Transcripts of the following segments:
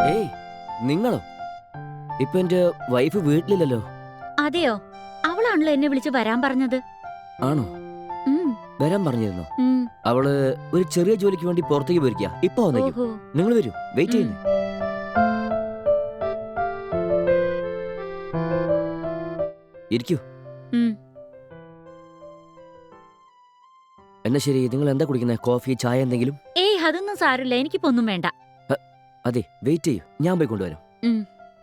ഏയ്, നിങ്ങളോ? ഇപ്പൊ എന്റെ വൈഫ് വീട്ടിലില്ലല്ലോ. അതെയോ? അവളാണല്ലോ എന്നെ വിളിച്ച് വരാൻ പറഞ്ഞത്. ആണോ? ഉം, വരാൻ പറഞ്ഞിരുന്നോ? ഉം. അവള് ഒരു ചെറിയ ജോലിക്ക് വേണ്ടി പുറത്തേക്ക് പോയിരിക്കുക. ഇപ്പൊ വന്നേക്കും. ഓഹോ. നിങ്ങൾ വരൂ, വെയിറ്റ് ചെയ്യുന്നേ. ഇരിക്കൂ. ഉം. എന്നാ ശരി, നിങ്ങൾ എന്താ കുടിക്കുന്നത്? കോഫി, ചായ എന്തെങ്കിലും? ഏയ് അതൊന്നും സാരമില്ല, എനിക്കിപ്പോ ഒന്നും വേണ്ട. അതെ, വെയിറ്റ് ചെയ്യൂ, ഞാൻ പോയി കൊണ്ടുവരാം. ഉം.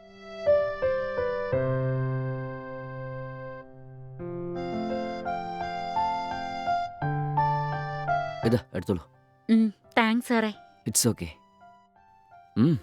ഇതാ എടുത്തോളൂ. താങ്ക്സ് സാറേ. It's okay. ഉം.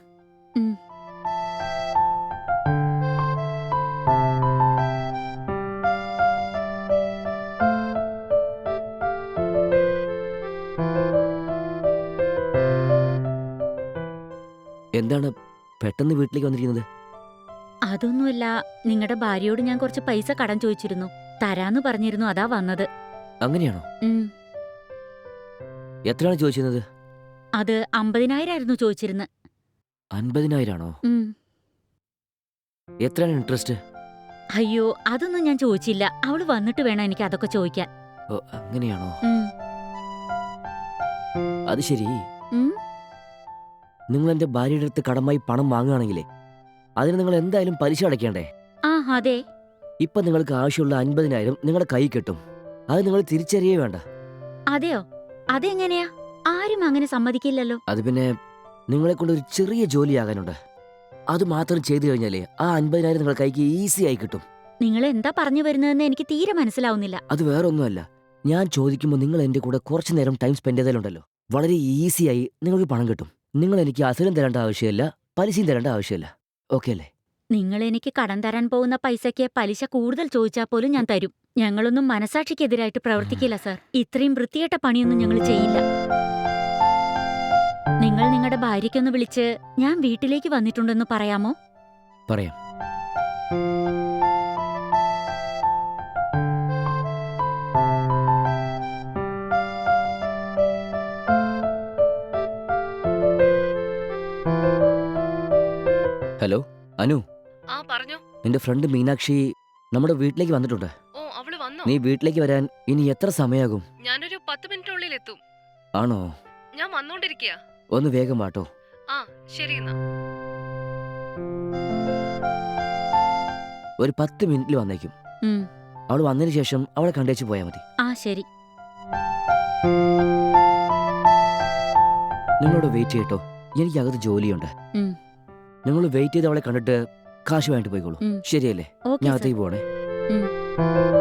എന്താണ് പെട്ടെന്ന് വീട്ടിലേക്ക് വന്നിരിക്കുന്നത്? അതൊന്നുമല്ല, നിങ്ങളുടെ ഭാര്യയോട് ഞാൻ കുറച്ച് പൈസ കടം ചോദിച്ചിരുന്നു. തരാന്ന് പറഞ്ഞിരുന്നു, അതാ വന്നത്. അങ്ങനെയാണോ? ഉം. എത്രയാണ് ചോദിച്ചിരുന്നത്? അത് 50,000 ആയിരുന്നു ചോദിച്ചിരുന്നത്. 50,000 ആണോ? എത്രയാണ് ഇൻട്രസ്റ്റ്? അയ്യോ, അതൊന്നും ഞാൻ ചോദിച്ചില്ല. അവള് വന്നിട്ട് വേണം എനിക്ക് അതൊക്കെ ചോദിക്കാൻ. ഓ, അങ്ങനെയാണോ? ഉം. അത് ശരി. ഉം. നിങ്ങൾ എന്റെ ഭാര്യയുടെ അടുത്ത് കടമായി പണം വാങ്ങുകയാണെങ്കിലേ അതിന് നിങ്ങൾ എന്തായാലും പലിശ അടയ്ക്കേണ്ടേ? ആ അതെ. ഇപ്പൊ നിങ്ങൾക്ക് ആവശ്യമുള്ള 50,000 നിങ്ങളുടെ കൈ കിട്ടും. അത് നിങ്ങൾ തിരിച്ചറിയേ വേണ്ട. അതെയോ? അതെങ്ങനെയാ? ആരും അങ്ങനെ സമ്മതിക്കില്ലല്ലോ. അത് പിന്നെ നിങ്ങളെ കൊണ്ട് ഒരു ചെറിയ ജോലിയാകാനുണ്ട്. അത് മാത്രം ചെയ്തു കഴിഞ്ഞാലേ ആ 50,000 നിങ്ങളുടെ കൈക്ക് ഈസി ആയി കിട്ടും. നിങ്ങൾ എന്താ പറഞ്ഞു വരുന്നതെന്ന് എനിക്ക് തീരെ മനസ്സിലാവുന്നില്ല. അത് വേറെ ഒന്നുമല്ല. ഞാൻ ചോദിക്കുമ്പോൾ നിങ്ങൾ എന്റെ കൂടെ കുറച്ചു നേരം ടൈം സ്പെൻഡ് ചെയ്താലുണ്ടല്ലോ, വളരെ ഈസിയായി നിങ്ങൾക്ക് പണം കിട്ടും. നിങ്ങൾ എനിക്ക് അസലും തരേണ്ട ആവശ്യമില്ല, പലിശയും തരേണ്ട ആവശ്യമില്ല. ഓക്കെ അല്ലേ? നിങ്ങൾ എനിക്ക് കടം തരാൻ പോകുന്ന പൈസയ്ക്ക് പലിശ കൂടുതൽ ചോദിച്ചാൽ പോലും ഞാൻ തരും. ഞങ്ങളൊന്നും മനസാക്ഷിക്കെതിരായിട്ട് പ്രവർത്തിക്കില്ല സാർ. ഇത്രയും വൃത്തികെട്ട പണിയൊന്നും ഞങ്ങൾ ചെയ്യില്ല. നിങ്ങൾ നിങ്ങളുടെ ഭാര്യയ്ക്കൊന്ന് വിളിച്ച് ഞാൻ വീട്ടിലേക്ക് വന്നിട്ടുണ്ടെന്ന് പറയാമോ? പറയാം. ഹലോ അനു, ആ പറഞ്ഞോ. നിന്റെ ഫ്രണ്ട് മീനാക്ഷി നമ്മുടെ വീട്ടിലേക്ക് വന്നിട്ടുണ്ട്. ഓ, അവള് വന്നോ? നീ വീട്ടിലേക്ക് വരാൻ ഇനി എത്ര സമയാകും? ഞാനൊരു 10 മിനിറ്റിനുള്ളിൽ എത്തും. ആണോ? ഞാൻ വന്നോണ്ടിരിക്കയാ. ഒന്ന് വേഗം വാട്ടോ. ആ ശരി എന്നാ. ഒരു 10 മിനിറ്റിൽ വന്നേക്കും. ഉം. അവൾ വന്നതിന് ശേഷം അവളെ കണ്ടേച്ച് പോയാൽ മതി. ആ ശരി. നിങ്ങളോട് വെയിറ്റ് ചെയ്യട്ടോ, എനിക്കകത്ത് ജോലിയുണ്ട്. ഉം. നിങ്ങൾ വെയിറ്റ് ചെയ്ത് അവളെ കണ്ടിട്ട് കാശ് വാങ്ങിട്ട് പോയിക്കോളൂ. ഉം. ശരിയല്ലേ? ഓക്കേ ഞാൻ സാർ. അകത്തേക്ക് പോണേ. ഉം.